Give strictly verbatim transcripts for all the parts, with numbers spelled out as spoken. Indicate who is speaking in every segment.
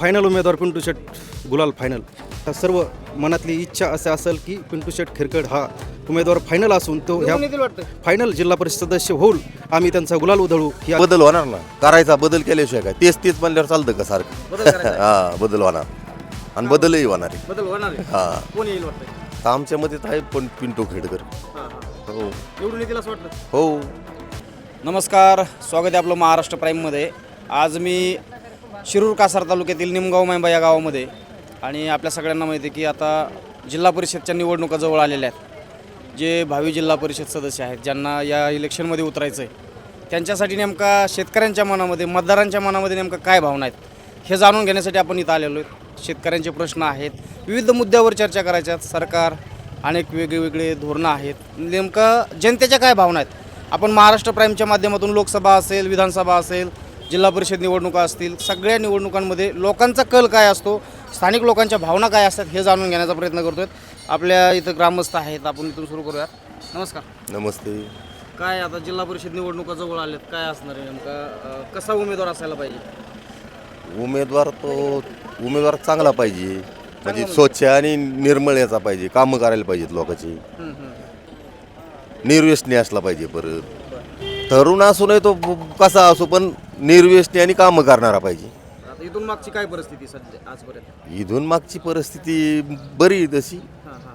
Speaker 1: Final उमेदवार पिंटू शेट गुलाल final. सर्व मनातली इच्छा असे असेल की पिंटू शेट खिरकड हा उमेदवार फायनल असून तो ह्या फायनल जिल्हा परिषद सदस्य होईल. आम्ही त्यांचा गुलाल उधळू. ही
Speaker 2: बदल होणार ना, करायचा बदल केल्याशिवाय काय तेच तेच म्हणल्यावर चालतं का सारखं? हा बदल होणार आणि बदलही होणार आहे.
Speaker 3: बदल होणार आहे.
Speaker 2: हा
Speaker 3: कोण येईल वाटतं?
Speaker 2: तर आमच्या मते आहे पण पिंटू खेडकर. हो
Speaker 3: निवडून येतील असं वाटतं?
Speaker 2: हो.
Speaker 3: नमस्कार, स्वागत आहे आपलं महाराष्ट्र प्राईममध्ये. आज मी शिरूर कासार तालुक्यातील निमगाव मैंबा या गावामध्ये, आणि आपल्या सगळ्यांना माहिती आहे की आता जिल्हा परिषदच्या निवडणुका जवळ आलेल्या आहेत. जे भावी जिल्हा परिषद सदस्य आहेत, ज्यांना या इलेक्शनमध्ये उतरायचं आहे, त्यांच्यासाठी नेमका शेतकऱ्यांच्या मनामध्ये, मतदारांच्या मनामध्ये नेमका काय भावना आहेत हे जाणून घेण्यासाठी आपण इथं आलेलो आहेत. शेतकऱ्यांचे प्रश्न आहेत, विविध मुद्द्यावर चर्चा करायच्या आहेत. सरकार अनेक वेगवेगळे धोरणं आहेत, नेमकं जनतेच्या काय भावना आहेत आपण महाराष्ट्र प्राईमच्या माध्यमातून लोकसभा असेल, विधानसभा असेल, जिल्हा परिषद निवडणुका असतील, सगळ्या निवडणुकांमध्ये लोकांचा कल काय असतो, स्थानिक लोकांच्या भावना काय असतात हे जाणून घेण्याचा प्रयत्न करतो. आपल्या इथं ग्रामस्थ आहेत, आपण इथून सुरू करूयात. नमस्कार.
Speaker 2: नमस्ते.
Speaker 3: काय आता जिल्हा परिषद निवडणुका जवळ आल्यात, काय असणार आहे नेमका, अं, कसा उमेदवार असायला पाहिजे?
Speaker 2: उमेदवार तो उमेदवार चांगला पाहिजे, म्हणजे स्वच्छ आणि निर्मळ याचा पाहिजे, कामं करायला पाहिजेत लोकांची, निर्व्यसनी असला पाहिजे. परत तरुण असू नये तो कसा असो, पण निर्व्यसनी आणि कामं करणारा पाहिजे.
Speaker 3: आता इथून मागची काय परिस्थिती सध्या आजपर्यंत?
Speaker 2: इथून मागची परिस्थिती बरी आहे तशी.
Speaker 3: हां हां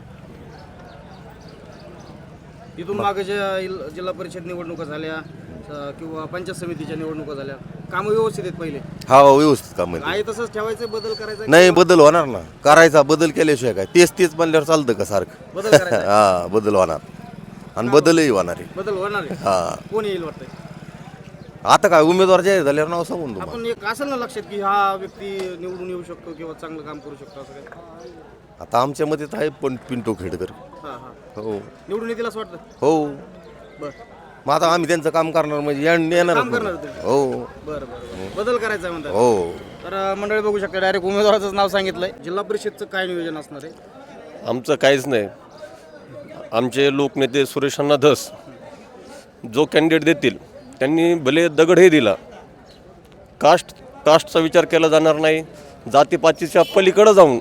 Speaker 3: इथून मागे ज्या इल- जिल्हा परिषद निवडणुका झाल्या अं, किंवा पंचायत समितीच्या निवडणुका झाल्या, कामं व्यवस्थित आहेत पहिले?
Speaker 2: हा व्यवस्थित काम आहे.
Speaker 3: आहे तसंच ठेवायचं, बदल करायचा?
Speaker 2: नाही बदल होणार ना, करायचा बदल केल्याशिवाय काय तेच तेच म्हणल्यावर चालतं का सारखं?
Speaker 3: बदल करायचा?
Speaker 2: हा बदल होणार आणि बदलही होणार आहे.
Speaker 3: बदल होणार आहे.
Speaker 2: हा
Speaker 3: कोण येईल वाटतंय?
Speaker 2: आता काय उमेदवार जाहीर झाल्यावर नाव सांगून तुम्हाला.
Speaker 3: आपण एक असेल ना लक्षात की हा व्यक्ती निवडून येऊ शकतो किंवा चांगलं काम करू शकतो असं काय?
Speaker 2: आता आमच्या मते तर आहे पण पिंटू खेडकर.
Speaker 3: हां हां
Speaker 2: हो
Speaker 3: निवडून येतील असं वाटतं?
Speaker 2: हो.
Speaker 3: बरं
Speaker 2: मग आता आम्ही त्यांचं काम करणार म्हणजे येण- येणारच
Speaker 3: काम करणार
Speaker 2: नाही.
Speaker 3: तुम्ही?
Speaker 2: हो
Speaker 3: बरं बरं बदल करायचा आहे म्हणतात.
Speaker 2: हो.
Speaker 3: तर अं, मंडळी बघू शकता, डायरेक्ट उमेदवाराचं नाव सांगितलंय. जिल्हा परिषदचं काय नियोजन असणार आहे?
Speaker 4: आमचं काहीच नाही. आमचे लोकनेते सुरेश अण्णा धस जो कॅन्डिडेट देतील त्यांनी भले दगडही दिला, कास्ट कास्टचा विचार केला जाणार नाही. जातीपातीच्या पलीकडे जाऊन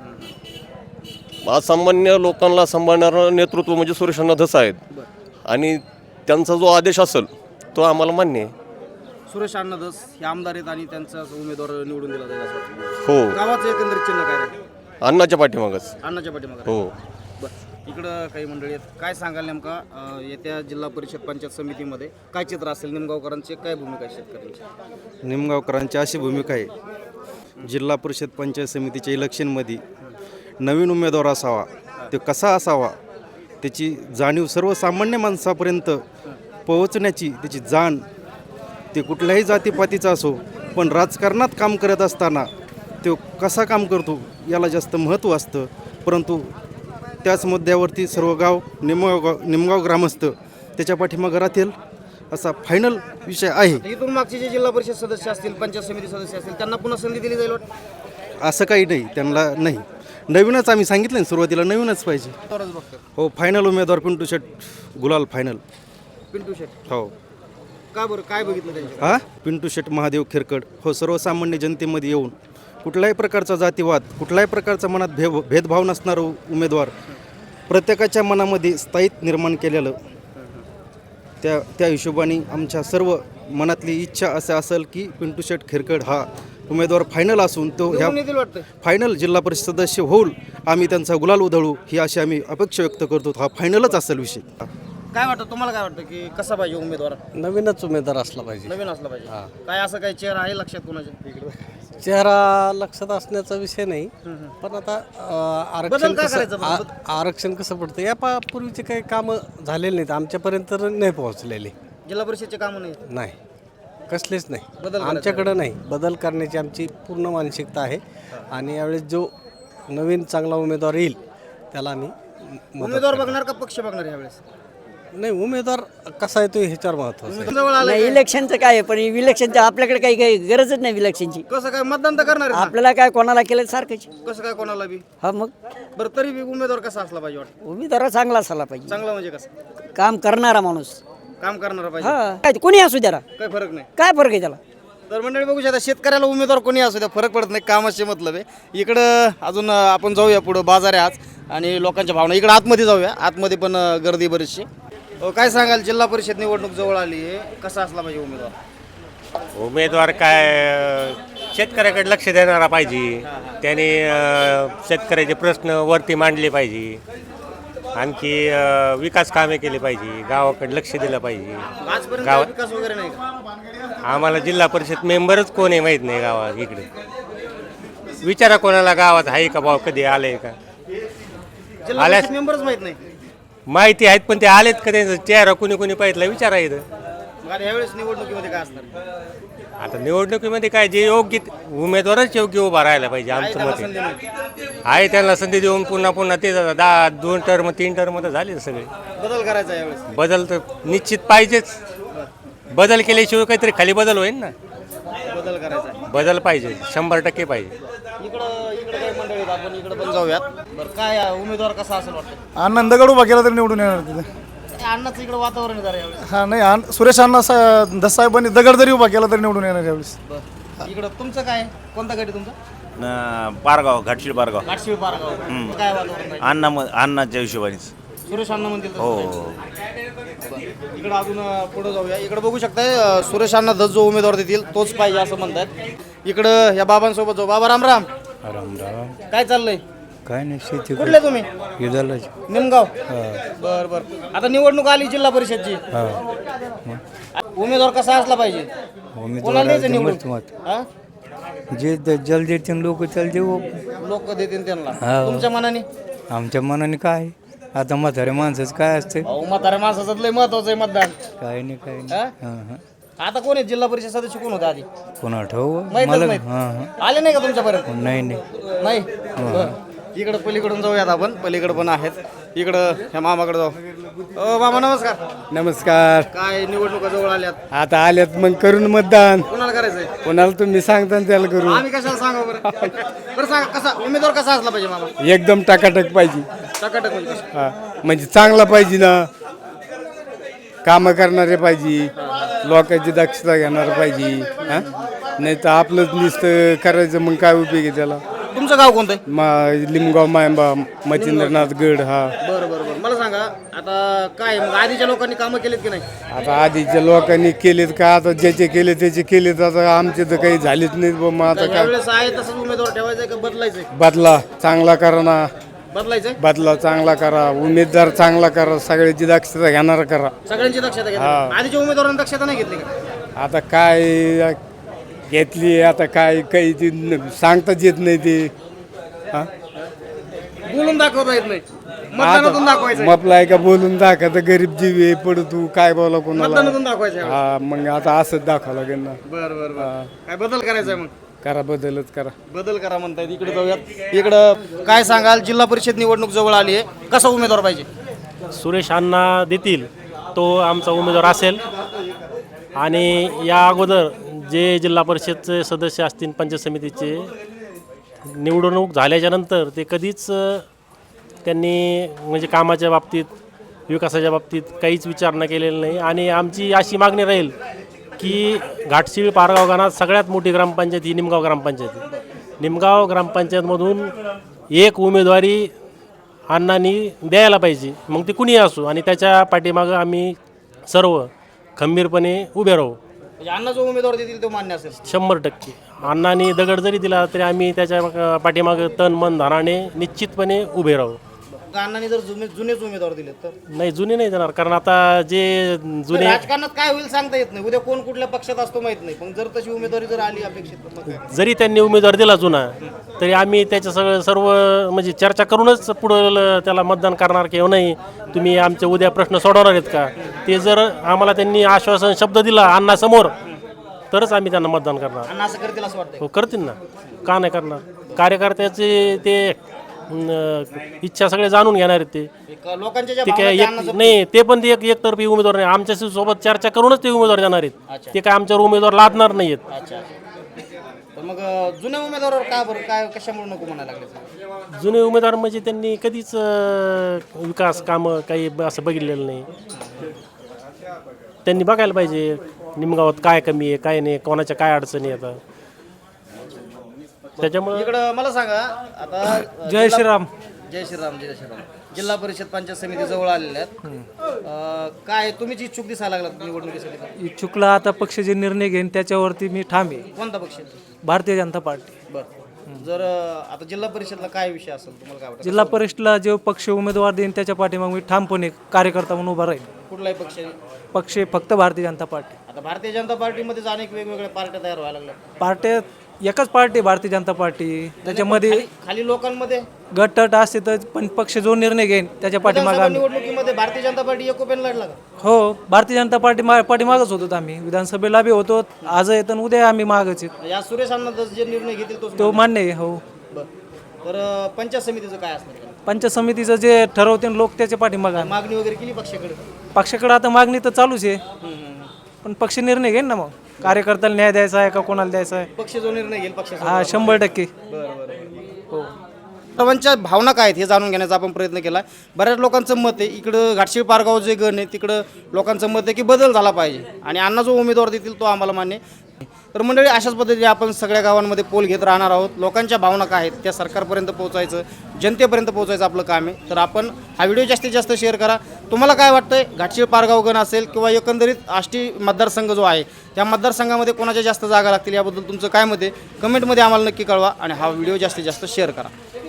Speaker 4: आज सामान्य लोकांना सांभाळणारं नेतृत्व म्हणजे सुरेश अण्णा धस आहेत, आणि त्यांचा जो आदेश असेल तो आम्हाला मान्य आहे.
Speaker 3: सुरेश अण्णा धस हे आमदार आहेत आणि त्यांचा उमेदवार निवडून दिला जाईल असं वाटतं.
Speaker 4: हो,
Speaker 3: गावाचं एकंदरीत चिन्ह काय आहे?
Speaker 4: अण्णाच्या पाठीमागच.
Speaker 3: अण्णाच्या पाठीमागे.
Speaker 4: हो.
Speaker 3: बरं, इकडं काही मंडळी आहेत. काय सांगाल नेमका अं, येत्या जिल्हा परिषद पंचायत समितीमध्ये काय चित्र असेल? निमगावकरांची काय भूमिका आहे शेतकऱ्यांची?
Speaker 1: निमगावकरांची अशी भूमिका आहे, जिल्हा परिषद पंचायत समितीच्या इलेक्शनमध्ये नवीन उमेदवार असावा, तो कसा असावा, त्याची जाणीव सर्वसामान्य माणसापर्यंत पोहोचण्याची त्याची जाण, ते कुठल्याही जातीपातीचा असो, पण राजकारणात काम करत असताना तो कसा काम करतो याला जास्त महत्त्व असतं. परंतु त्याच मुद्द्यावरती सर्व गाव निमगाव निमगाव ग्रामस्थ त्याच्या पाठीमागे राहतील असा फायनल विषय आहे.
Speaker 3: इथून मागचे जे जिल्हा परिषद सदस्य असतील, पंचायत समिती सदस्य असतील, त्यांना पुन्हा संधी दिली जाईल वाटतं?
Speaker 1: असं काही नाही, त्यांना नाही. नवीनच आम्ही सांगितलं ना सुरुवातीला, नवीनच पाहिजे.
Speaker 3: तरच बघतो.
Speaker 1: हो फायनल उमेदवार पिंटू शेट गुलाल फायनल.
Speaker 3: पिंटू शेट
Speaker 1: हो.
Speaker 3: का बरं, काय बघितलं त्यांच्या?
Speaker 1: हा पिंटू शेट महादेव खिरकड हो सर्वसामान्य जनतेमध्ये येऊन कुठल्याही प्रकारचा जातीवाद, कुठल्याही प्रकारचा मनात भेव भेदभाव नसणारं उमेदवार, प्रत्येकाच्या मनामध्ये स्थायित्व निर्माण केलेलं, त्या त्या हिशोबाने आमच्या सर्व मनातली इच्छा असं असेल की पिंटू शेट खिरकड हा उमेदवार फायनल असून तो ह्या
Speaker 3: निवडून येतील वाटतं?
Speaker 1: फायनल जिल्हा परिषद सदस्य होईल. आम्ही त्यांचा गुलाल उधळू ही अशी आम्ही अपेक्षा व्यक्त करतो. हा फायनलच असेल विषय.
Speaker 3: काय वाटतं तुम्हाला, काय वाटतं की कसा पाहिजे उमेदवार?
Speaker 5: नवीनच उमेदवार असला पाहिजे.
Speaker 3: नवीन असला पाहिजे. काय असं काही चेहरा आहे लक्षात कोणाच्या?
Speaker 5: चेहरा लक्षात असण्याचा विषय नाही, पण आता अं,
Speaker 3: बदल
Speaker 5: आरक्षण
Speaker 3: का
Speaker 5: कसं
Speaker 3: करायचं बरं?
Speaker 5: आ- आरक्षण कसं पडतं या पा पूर्वीचे काही कामं झालेले नाहीत, आमच्यापर्यंत तर नाही पोहोचलेले.
Speaker 3: जिल्हा परिषदचे कामं नाही.
Speaker 5: नाही, कसलेच नाही.
Speaker 3: बदल करायचा
Speaker 5: आमच्याकडं नाही. बदल करण्याची आमची पूर्ण मानसिकता आहे, आणि यावेळेस जो नवीन चांगला उमेदवार येईल त्याला आम्ही मदत
Speaker 3: उमेदवार
Speaker 5: करणार.
Speaker 3: बघणार का पक्ष बघणार यावेळेस?
Speaker 5: नाही, उमेदवार कसा येतो ह्याच्यावर महत्त्वाचं आहे.
Speaker 3: जवळ आलं
Speaker 6: नाही, इलेक्शनचं काय आहे, पण इलेक्शनचं आपल्याकडे काही काही गरजच नाही इलेक्शनची.
Speaker 3: कसं काय मतदान तर करणार आहे ना?
Speaker 6: आपल्याला काय कोणाला केलं सारखंच.
Speaker 3: कसं काय कोणाला बी?
Speaker 6: हा मग
Speaker 3: बरं, तरी बी उमेदवार कसा असला पाहिजे वाटतं?
Speaker 6: उमेदवार चांगला असला पाहिजे,
Speaker 3: चांगला म्हणजे कसं?
Speaker 6: काम करणारा माणूस.
Speaker 3: काम करणारा पाहिजे.
Speaker 6: हा काय कोणी असू द्या,
Speaker 3: काही फरक नाही.
Speaker 6: काय फरक आहे त्याला?
Speaker 3: तर मंडळी बघू शकता शेतकऱ्याला उमेदवार कोणी असू द्या फरक पडत नाही, कामाचे मतलब आहे. इकडं अजून अं, आपण जाऊया पुढं, बाजार आहे आज आणि लोकांच्या भावना. इकडं आतमध्ये जाऊया, आतमध्ये पण अं, गर्दी बरीचशी. अं, काय सांगाल, जिल्हा परिषद निवडणूक जवळ आली आहे, कसा असला पाहिजे उमेदवार?
Speaker 7: उमेदवार काय शेतकऱ्याकडे लक्ष देणारा पाहिजे, त्याने अ, शेतकऱ्याचे प्रश्न वरती मांडले पाहिजे, आणखी अ, विकास कामे केली पाहिजे, गावाकडे लक्ष दिलं पाहिजे.
Speaker 3: आजपर्यंत
Speaker 7: गावात-
Speaker 3: विकास वगैरे नाही का?
Speaker 7: आम्हाला जिल्हा परिषद मेंबरच कोण आहे माहीत नाही गावात. इकडे विचारा कोणाला गावात आहे का भाऊ, कधी आले का?
Speaker 3: जिल्हा
Speaker 7: आल्यास-
Speaker 3: परिषद मेंबरच माहित नाही.
Speaker 7: माहिती आहेत पण ते आलेत का, त्यांचा चेहरा कुणी कुणी पाहिजे विचारा इथं.
Speaker 3: मग आता ह्यावेळेस निवडणुकीमध्ये काय असणार?
Speaker 7: आता निवडणुकीमध्ये काय, जे योग्य उमेदवारच योग्य उभा राहायला पाहिजे
Speaker 3: आहे
Speaker 7: आमचं
Speaker 3: त्याला
Speaker 7: मत
Speaker 3: संधी
Speaker 7: आहे.
Speaker 3: नाही.
Speaker 7: आहे त्यांना संधी देऊन पुन्हा पुन्हा ते दहा दोन टर्म तीन टर्म तर झाले सगळे.
Speaker 3: बदल करायचा आहे यावेळेस.
Speaker 7: बदल तर निश्चित पाहिजेच. बदल केल्याशिवाय काहीतरी खाली बदल होईल ना.
Speaker 3: बदल करायचा आहे.
Speaker 7: बदल पाहिजे, शंभर टक्के पाहिजे.
Speaker 3: इकडं इकडे काही मंडळी आहेत, आपण इकडे पण जाऊयात. बरं, काय आहे, उमेदवार कसा असेल वाटतं?
Speaker 8: आनंदगड उभा केला तरी निवडून येणार तिथे.
Speaker 3: अण्णाचं इकडे वातावरण आहे जरा यावेळेस.
Speaker 8: हा नाही आन- सुरेश अण्णा सा दसाहेबांनी दगड जरी उभा केला तरी निवडून येणार यावेळेस.
Speaker 3: बरं, इकडं तुमचं काय आहे? कोणता गट आहे तुमचा?
Speaker 9: पारगाव घाटशीळ पारगाव
Speaker 3: घाटशिळ पारगाव. काय वातावरण आहे?
Speaker 9: अण्णा अण्णाच्या हिशोबानेच
Speaker 3: सुरेश अण्णा म्हणतील तसं
Speaker 9: हो
Speaker 3: करायचं. इकडं अजून पुढे जाऊया. इकडे बघू शकताय अं, सुरेश अण्णा दस जो उमेदवार देतील तोच पाहिजे असं म्हणतात. इकडं या बाबांसोबत जाऊ. बाबा राम राम.
Speaker 5: राम राम.
Speaker 3: काय चाललंय?
Speaker 5: काय नाही, शेती
Speaker 3: कुठले तुम्ही?
Speaker 5: युद्धाला.
Speaker 3: निमगाव. बर बर. आता निवडणूक आली जिल्हा परिषदची. उमेदवार कसा असला पाहिजे? कोणाला द्यायचं निवडून? हा?
Speaker 5: जे जल देतील लोक त्याला देऊ.
Speaker 3: लोक देतील त्यांना.
Speaker 5: हा.
Speaker 3: तुमच्या मनाने?
Speaker 5: आमच्या मनाने काय, आता म्हाताऱ्या माणसाचं काय असतं?
Speaker 3: अहो, म्हाताऱ्या माणसाचं लय महत्वाचं आहे मतदान.
Speaker 5: काय नाही, काय
Speaker 3: हा?
Speaker 5: नाही.
Speaker 3: आता कोण आहे जिल्हा परिषद सदस्य, कोण होते आधी?
Speaker 5: कोणा ठेवू
Speaker 3: माहीतच
Speaker 5: मला.
Speaker 3: नाहीत.
Speaker 5: हां हां.
Speaker 3: आले नाही का तुमच्यापर्यंत?
Speaker 5: नाही नाही.
Speaker 3: नाही. बरं. इकडं पलीकडून जाऊयात आपण. पलीकडे पण आहेत. इकडं ह्या मामाकडे जाऊ. अ, मामा नमस्कार.
Speaker 5: नमस्कार.
Speaker 3: काय निवडणुका जवळ आल्यात,
Speaker 5: आता आल्यात मग करून मतदान.
Speaker 3: कोणाला करायचंय?
Speaker 5: कोणाला तुम्ही सांगता ना त्याला करू.
Speaker 3: आम्ही कशाला सांगा बरं? बरं सांगा, कसा उमेदवार कसा असला पाहिजे मामा?
Speaker 5: एकदम टाकाटक पाहिजे.
Speaker 3: टकाटक म्हणजे कसं?
Speaker 5: हा, म्हणजे चांगला पाहिजे ना, कामं करणारे पाहिजे, लोकांची दक्षता घेणार पाहिजे. हा, नाही तर आपलंच नुसतं करायचं मग काय उपयोग आहे त्याला.
Speaker 3: तुमचं गाव कोणतं आहे?
Speaker 5: मा लिमगाव मायंबा मच्छिंद्रनाथ गड. हा,
Speaker 3: बरं बरं बरं. मला सांगा आता काय मग आधीच्या लोकांनी कामं केलीत की नाही?
Speaker 5: आता आधीच्या लोकांनी केलेत का, आता ज्याचे केले त्याचे केलेत, आता आमचे तर काही झालेच नाहीत. बा मग आता काय
Speaker 3: यावेळेस आहे तसंच उमेदवार ठेवायचा का बदलायचंय?
Speaker 5: बदला चांगला करा ना,
Speaker 3: बदलायचंय.
Speaker 5: बदला चांगला करा, उमेदवार चांगला करा, सगळ्याची दक्षता घेणार करा.
Speaker 3: सगळ्यांची दक्षता घ्या. आधीच्या उमेदवारांनी दक्षता नाही घेतली का?
Speaker 5: आता काय घेतली, आता काय काही ती न- सांगताच येत नाही ते. हा?
Speaker 3: बोलून दाखवता येत नाही, मतदानातून दाखवायचं.
Speaker 5: मपला आहे का बोलून दाखवा, तर गरीब जीव आहे, पडू तू काय बोला कोणाला.
Speaker 3: मतदानातून दाखवायचं.
Speaker 5: हा, मग आता असंच दाखवा लागेल ना.
Speaker 3: बरं बरं बरं. काय बदल करायचा आहे मग?
Speaker 5: करा, बदलच करा.
Speaker 3: बदल करा म्हणतायत. इकडे जाऊयात. इकडं काय सांगाल, जिल्हा परिषद निवडणूक जवळ आली आहे, कसा उमेदवार पाहिजे?
Speaker 10: सुरेश अण्णा देतील तो आमचा उमेदवार असेल. आणि या अगोदर जे जिल्हा परिषदचे सदस्य असतील, पंचायत समितीचे, निवडणूक झाल्याच्या नंतर ते कधीच अ, त्यांनी म्हणजे कामाच्या बाबतीत, विकासाच्या बाबतीत काहीच विचारणा केलेला नाही. आणि आमची अशी मागणी राहील की घाटशिळ पारगाव गावात सगळ्यात मोठी ग्रामपंचायत ही निमगाव ग्रामपंचायत आहे. निमगाव ग्रामपंचायतमधून एक उमेदवारी अण्णांनी द्यायला पाहिजे, मग ते कुणीही असो. आणि त्याच्या पाठीमागं आम्ही सर्व खंबीरपणे उभे राहू.
Speaker 3: म्हणजे अण्णा जो उमेदवार देतील तो मान्य असेल
Speaker 10: शंभर टक्के. अण्णांनी दगड जरी दिला तरी आम्ही त्याच्या पाठीमागं तन मन धनाने निश्चितपणे उभे राहू.
Speaker 3: अण्णांनी जर जुने जुनेच उमेदवार दिले तर?
Speaker 10: नाही, जुने नाही देणार, कारण आता जे जुने
Speaker 3: राजकारणात काय होईल सांगता येत नाही. उद्या कोण कुठल्या पक्षात असतो माहित नाही. पण जर तशी उमेदवारी जर आली अपेक्षित, तर मग काय?
Speaker 10: जरी त्यांनी उमेदवार दिला जुना, तरी आम्ही त्याच्या सगळं सर्व म्हणजे चर्चा करूनच पुढं त्याला मतदान करणार किंवा नाही, तुम्ही आमचे उद्या प्रश्न सोडवणार आहेत का, ते जर आम्हाला त्यांनी आश्वासन शब्द दिला अण्णासमोर, तरच आम्ही त्यांना मतदान करणार.
Speaker 3: अण्णा असं करतील असं वाटतं?
Speaker 10: हो, करतील ना, का नाही करणार. कार्यकर्त्याचे ते अं, इच्छा सगळे जाणून घेणार आहेत. ते
Speaker 3: लोकांच्या ज्या
Speaker 10: ते
Speaker 3: भावना
Speaker 10: काय
Speaker 3: त्या
Speaker 10: एक
Speaker 3: अण्णाचं-
Speaker 10: नाही, ते पण ते एक एकतर्फी उमेदवार नाही, आमच्या सोबत चर्चा करूनच ते उमेदवार देणार आहेत. ते काय आमच्यावर उमेदवार लादणार नाही आहेत.
Speaker 3: अच्छा. तर मग अं, जुन्या उमेदवारावर का बरं, काय कशामुळे नको म्हणायला लागले?
Speaker 10: जुने उमेदवार म्हणजे त्यांनी कधीच अं, विकास कामं काही ब- असं बघितलेलं नाही. त्यांनी बघायला पाहिजे. निमगावात काय कमी आहे काय नाही, कोणाच्या काय अडचणी येतात. त्याच्यामुळं
Speaker 3: इकडं मला सांगा आता
Speaker 11: जय श्रीराम.
Speaker 3: जय श्रीराम जय श्रीराम. जिल्हा परिषद पंचायत समिती जवळ आलेल्या आहेत. अं, काय तुम्हीच इच्छुक दिसायला लागलात निवडणुकीसाठी?
Speaker 11: इच्छुकला आता पक्ष जे निर्णय घेईन त्याच्यावरती मी ठाम आहे.
Speaker 3: कोणता पक्ष?
Speaker 11: भारतीय जनता पार्टी.
Speaker 3: बरं. जर अं, आता जिल्हा परिषदला काय विषय असेल तुम्हाला काय वाटतं?
Speaker 11: जिल्हा परिषदला जे पक्ष उमेदवार देईन त्याच्या पाठीमाग मी ठामपणे कार्यकर्ता म्हणून उभा राहील.
Speaker 3: कुठलाही पक्ष?
Speaker 11: पक्ष फक्त भारतीय जनता पार्टी.
Speaker 3: आता भारतीय जनता पार्टीमध्येच अनेक वेगवेगळ्या पार्ट्या तयार व्हायला लागल्या.
Speaker 11: पार्ट्या एकच पार्टी भारतीय जनता पार्टी, त्याच्यामध्ये
Speaker 3: खाली- खाली लोकांमध्ये
Speaker 11: गटतट असते तर पण पक्ष जो निर्णय घेईन त्याच्या पाठीमाग
Speaker 3: विधानसभा
Speaker 11: आम्ही.
Speaker 3: निवडणुकीमध्ये भारतीय जनता पार्टी एकोप्याने लढला का?
Speaker 11: हो, भारतीय जनता पार्टी मा- पाठीमागच होतो आम्ही. विधानसभेला बी होतो, आज येतो आणि उद्या आम्ही मागच आहेत.
Speaker 3: या सुरेश अण्णा जे निर्णय घेतील तोच
Speaker 11: तो मान्य आहे. हो,
Speaker 3: बरं. तर अं, पंचायत समितीचं काय असणार?
Speaker 11: पंचायत समितीचं जे ठरवते लोक त्याच्या पाठीमाग आम्ही.
Speaker 3: मागणी वगैरे केली पक्षाकडे?
Speaker 11: पक्षाकडे आता मागणी तर चालूच आहे, पण पक्ष निर्णय घेईन ना मग कार्यकर्त्याला न्याय द्यायचा आहे का कोणाला द्यायचा आहे.
Speaker 3: पक्ष जो निर्णय घेईल पक्ष.
Speaker 11: हा, शंभर टक्के.
Speaker 3: हो. सर्वांच्या भावना काय आहेत हे जाणून घेण्याचा आपण प्रयत्न केला. बऱ्याच लोकांचं मत आहे इकडं घाटशीळ पारगाव जे गण आहे तिकडं लोकांचं मत आहे की बदल झाला पाहिजे आणि अण्णा जो उमेदवार देतील तो आम्हाला मान्य आहे. तर मंडळी अशाच पद्धतीने आपण सगळ्या गावांमध्ये पोल घेत राहणार आहोत. लोकांच्या भावना काय आहेत त्या सरकारपर्यंत पोहोचायचं, जनतेपर्यंत पोहोचायचं आपलं काम आहे. तर आपण हा व्हिडिओ जास्तीत जास्त शेअर करा. तुम्हाला काय वाटतंय घाटशीळ पारगाव गण असेल किंवा एकंदरीत आष्टी मतदारसंघ जो आहे त्या मतदारसंघामध्ये कोणाच्या जास्त जागा लागतील याबद्दल तुमचं काय मत आहे कमेंटमध्ये आम्हाला नक्की कळवा आणि हा व्हिडिओ जास्तीत जास्त शेअर करा.